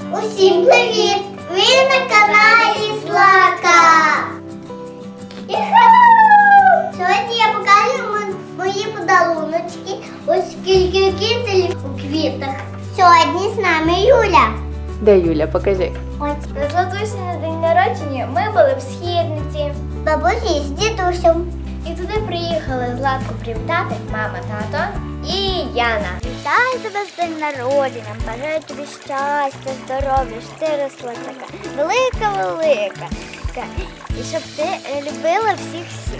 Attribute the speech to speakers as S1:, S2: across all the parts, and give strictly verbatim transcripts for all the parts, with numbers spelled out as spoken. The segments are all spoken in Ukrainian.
S1: Усім привіт! Ви на каналі Злата! Сьогодні я покажу мої подаруночки. Ось скільки квітів у квітах. Сьогодні з нами Юля.
S2: Де Юля? Покажи.
S1: Ось.
S3: На Златусі на день народження ми були в Східниці.
S1: Бабусі з дідусем.
S3: І туди приїхали Златку привітати мама, тато і Яна.
S1: Вітаю тебе з день народження, бажаю тобі щастя, здоров'я, щоб ти росла така велика-велика. І щоб ти любила всіх-всіх.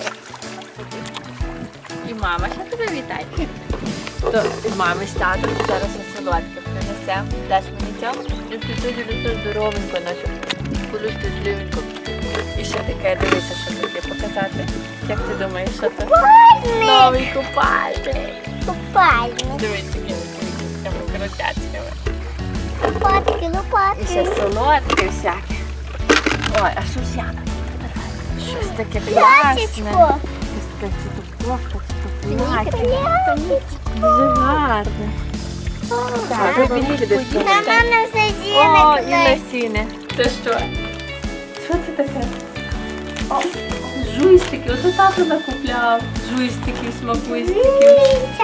S2: І мама ще тебе вітає. То мами з татом зараз на солодке принесемо. Даш мені цьому? І ти дуже здоровенько нашу колючку зливеньку. І ще таке, дивися, що таке показати. Як ти думаєш, що це?
S1: Купальник!
S2: Новий купальник.
S1: Купальник.
S2: Дивись, якими такими крутяцькими.
S1: Лопатки, лопатки.
S2: І ще солодке всяке. Ой, а що ж Яна? Щось таке класне.
S1: Платічко.
S2: Щось таке, чи то кофта, чи то плаття. Дуже гарне. Так, ви більше десь
S1: На
S2: помогти.
S1: мене все
S2: О, і
S1: зіни.
S2: лосіни. Це що? Що це таке? О, жуйстики. Ото тато накупляв. Жуйстиків, смакуйстиків.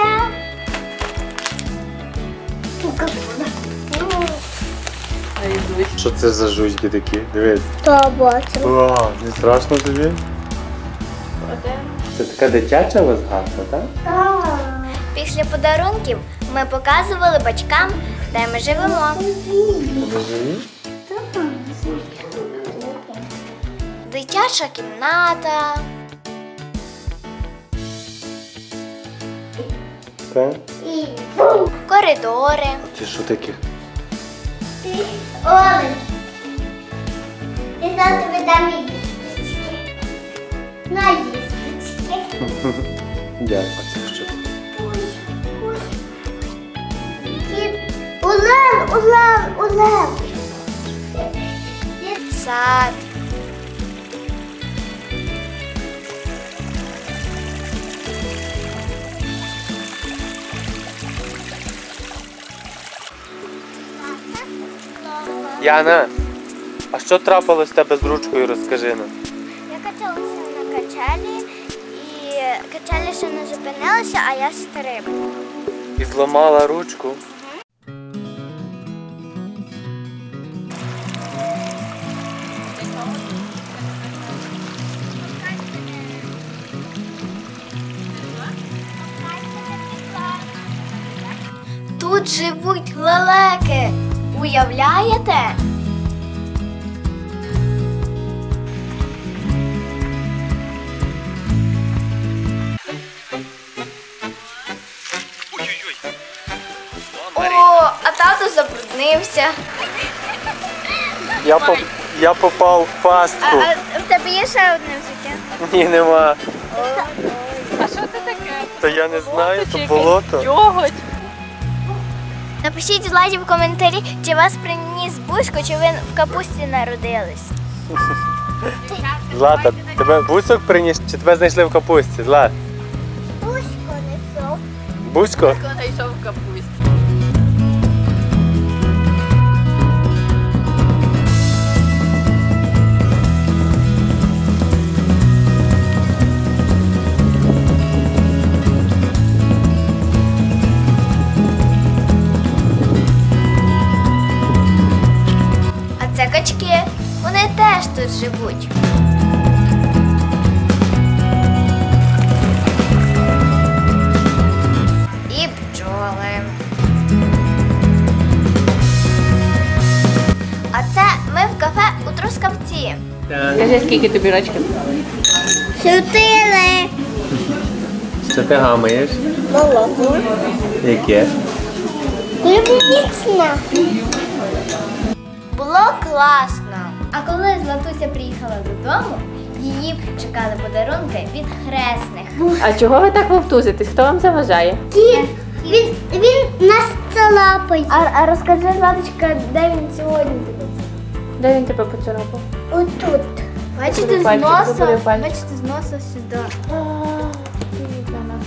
S4: Що це за жуйки такі? Дивись.
S1: То бачу.
S4: О, не страшно тобі? Це така дитяча розгадка, так?
S3: Після подарунків ми показували батькам, де ми живемо.
S4: Ми живі?
S3: Дитяча кімната.
S4: Так.
S1: І
S3: Коридори.
S4: Це що таке?
S1: ти Олень. Я зараз тобі дам їсточки. На їсточки.
S4: Дякую. Це що?
S1: Улев, улев, улев.
S3: Сад.
S4: Яна, а що трапилось з тебе з ручкою, розкажи нам.
S1: Я качалася на качелі, і качелі ще не зупинилися, а я стрибнула.
S4: І зламала ручку.
S3: Тут живуть лелеки. Уявляєте? О, а тато забруднився.
S4: Я, поп... я попав в пастку.
S1: в тебе є ще одне взуття?
S4: Ні, нема.
S2: А що це таке?
S4: Та я не знаю,
S2: Чи
S4: то
S2: якийсь
S4: болото.
S2: Йоготь.
S3: Напишіть Златі в коментарі, чи вас приніс Бузько, чи ви в капусті народились.
S4: Злата, тебе бусок приніс, чи тебе знайшли в капусті? Злат.
S1: Пусько несу.
S4: Бусько?
S2: Хто знайшов в капусті?
S3: А це качки, вони теж тут живуть. І бджоли. А це ми в кафе у Трускавці.
S2: Скажи, скільки тобі рочків?
S1: Чотири.
S4: Що ти гамаєш?
S1: Молоко.
S4: Яке?
S1: Клубнічна.
S3: Було класно. А коли Златуся приїхала додому, її чекали подарунки від хресних.
S2: А чого ви так вовтузитесь? Хто вам заважає?
S1: Кіт. Він, він нас цалапає.
S3: А, а розкажи, Златочка, де він сьогодні тебе?
S2: Де він тебе поцарапав?
S1: Отут.
S3: Бачите, з
S2: Пальчик,
S3: носа,
S2: забери пальчик.
S3: бачите, з носа сюди.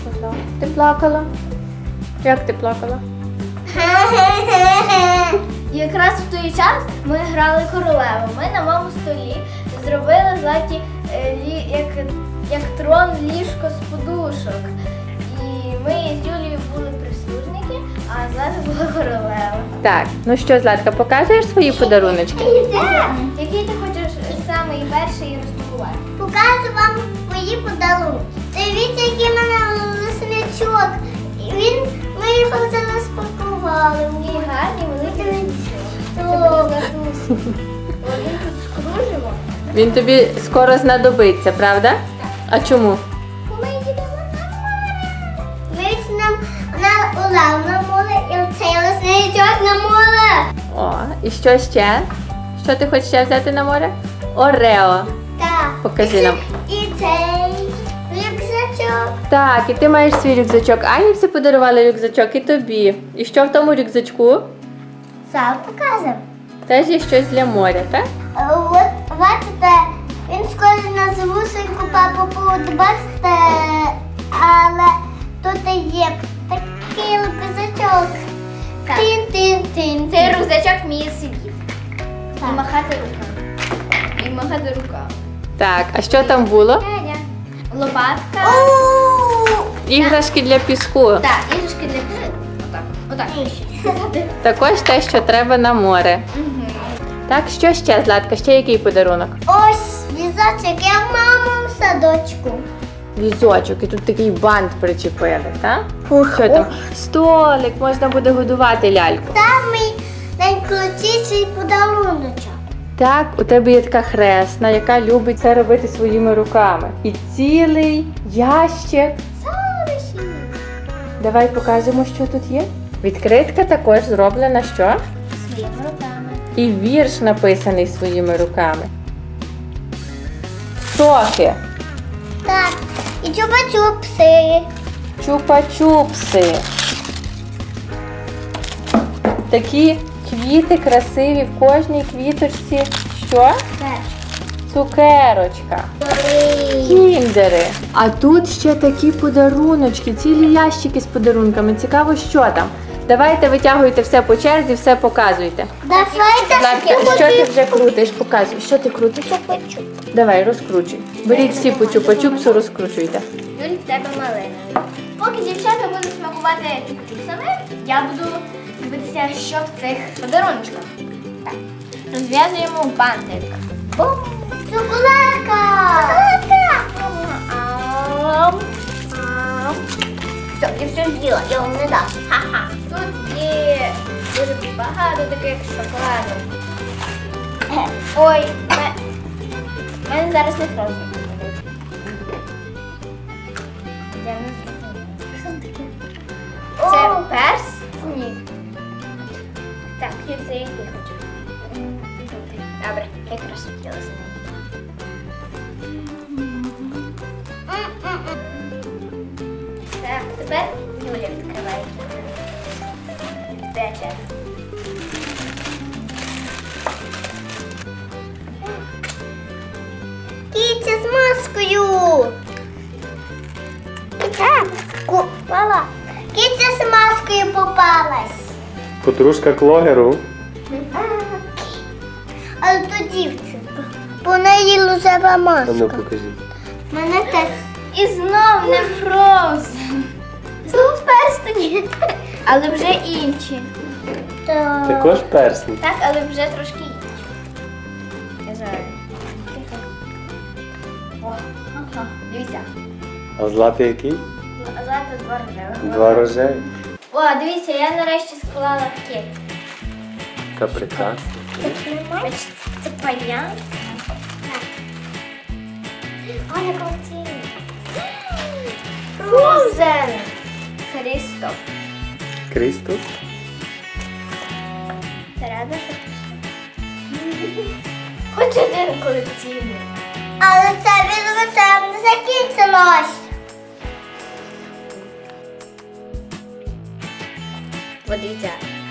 S2: Ти плакала? Як ти плакала?
S3: І якраз в той час ми грали королеву. Ми на моєму столі зробили Златі е, лі, як, як трон ліжко з подушок. І ми з Юлією були прислужники, а Злата була королева.
S2: Так, ну що, Златка, покажеш свої подаруночки?
S3: Який ти хочеш самий перший розпакувати?
S1: Покажу вам мої подарунки. Дивіться, який в мене лисичок. І він, ми його вже розпакували.
S3: Такий гарний, великий ланцюг. Це
S1: О.
S3: буде Златусі. Один тут скружимо.
S2: Він тобі скоро знадобиться, правда? А чому?
S1: Ми їдемо на море. Дивіться, нам на Олев на море і оцей лисичок на море.
S2: О, і що ще? Що ти хочеш ще взяти на море? Орео.
S1: Так.
S2: Покажи
S1: І
S2: нам.
S1: це- І цей рюкзачок.
S2: Так, і ти маєш свій рюкзачок. Ані всі подарували рюкзачок і тобі. І що в тому рюкзачку?
S1: Зараз покажемо.
S2: Теж є щось для моря, так?
S1: От, бачите, він схожий на звусеньку папу Пуд, бачите, але тут є такий рюкзачок.
S3: Так.
S1: Тин-тин-тин.
S3: Цей рюкзачок вміє сидіти.
S1: Так.
S3: І махати руками. І махати руками.
S2: Так, а що там було?
S3: Няня. Лопатка.
S1: О!
S2: Іграшки для піску.
S3: Так, іграшки для псів. Отак. Отак.
S2: Також те, що треба на море.
S3: Мгм.
S2: Так, що ще, Златка? Ще який подарунок?
S1: Ось візочок, я маму в садочку.
S2: Візочок, і тут такий бант причепили, так?
S1: Фух.
S2: Що там? Столик, можна буде годувати ляльку.
S1: Там мій найкрутіший подаруночок.
S2: Так, у тебе є така хресна, яка любить це робити своїми руками. І цілий ящик. Давай покажемо, що тут є. Відкритка також зроблена що?
S3: Своїми руками.
S2: І вірш написаний своїми руками. Софі,
S1: Так, і чупа-чупси.
S2: чупа-чупси. Такі квіти красиві в кожній квіточці. Що? Цукерочка. Кіндери. А тут ще такі подаруночки, цілі ящики з подарунками. Цікаво, що там. Давайте витягуйте все по черзі, все показуйте.
S1: Давайте
S2: Златка, що ти вже крутиш? Показуй. Що ти крутиш?
S1: чупа-чуп.
S2: Давай, розкручуй. Беріть всі по чупа-чупсу, розкручуйте.
S3: Юль, в тебе малиновий. Поки дівчата будуть смакувати чупа-чупсами, я буду дивитися, що в цих подаруночках. Так. Розв'язуємо бантик.
S1: Бум! Шоколадка!
S3: Ам. Ам.
S1: Все, я все з'їла, я вам не дам.
S3: Ха-ха. Тут є дуже багато таких шоколадок. Ой, ме- в мене зараз не фрозно. Я не зрозуміла. Це
S1: О!
S3: персні. Так, я це який хочу. Добре, якраз хотіла з ним. Так, тепер Юля відкриває. Де черга?
S1: Кітя з маскою. Кітя, попала. Кітя з маскою попалась.
S4: Подружка Клогеру.
S1: Але то дівчинка. По неї лузева
S4: А ну
S1: маска.
S4: покажіть.
S1: Мене теж.
S3: І знов не Frozen. Знов перстені. Але вже інші.
S1: Так.
S4: Також персні.
S3: Так, але вже трошки інші. Я знаю. О, ага. Дивіться.
S4: А златий який?
S3: А зараз два рожевих.
S4: Два рожеві.
S3: О, дивіться, я нарешті склала кек.
S4: Та прекрасно.
S3: Бачите, це паня.
S1: О, не крутий.
S3: Frozen. Крістоф.
S4: Крістус?
S3: Ти рада, що Хоч один колекційний.
S1: Але це відео не закінчилось.
S3: Подивіться.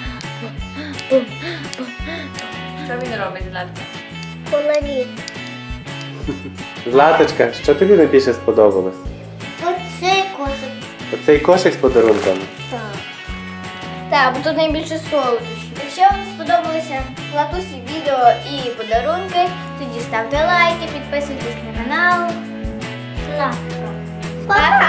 S2: Що він робить, Златка?
S1: Колорит.
S4: Златочка, що тобі найбільше сподобалось?
S1: Оцей кошик.
S4: Оцей кошик з подарунками.
S1: Так.
S3: Так, бо тут найбільше солодощів. Якщо вам сподобалися Латусі відео і подарунки, тоді ставте лайки, підписуйтесь на канал.
S1: Сладко.
S3: Пока!